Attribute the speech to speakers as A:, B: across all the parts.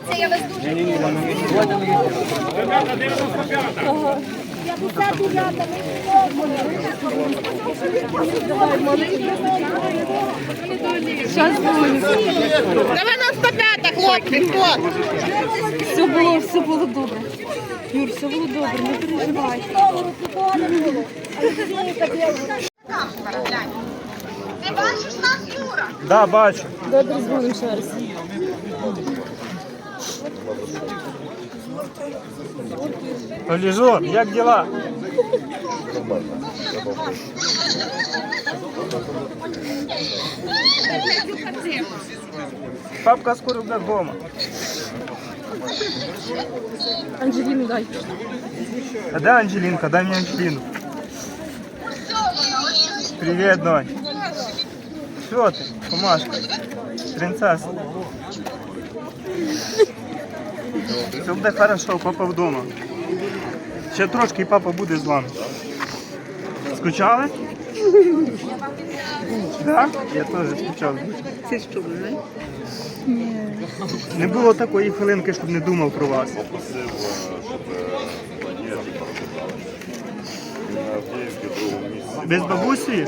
A: Дивіться, я вас дуже люблю.
B: Зараз буде.
C: 95, хлопці, хто?
B: Все було добре. Юр, все було добре, не переживай.
A: Ти бачиш нас, Юра?
D: Да, бачу.
B: Добре, дзвонимо ще раз.
D: Олежон, як діла? Папка скоро буде вдома.
B: Анжеліну дай.
D: А де Анжелінка? Дай мені Анжеліну. Привіт, донь. Що ти, Комашка? Принцеса. Все буде хорошо, папа вдома. Ще трошки і папа буде з вами. Скучали? Так? Я теж скучав.
C: Це що, не?
D: Не було такої хвилинки, щоб не думав про вас. Ви з бабусею?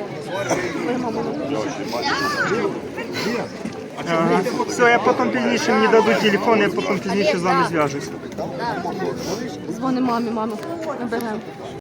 D: Ага. Все, я потім пізніше, мені дадуть телефон, я потім пізніше з вами зв'яжуся.
B: Дзвони мамі, мама. Наберемо.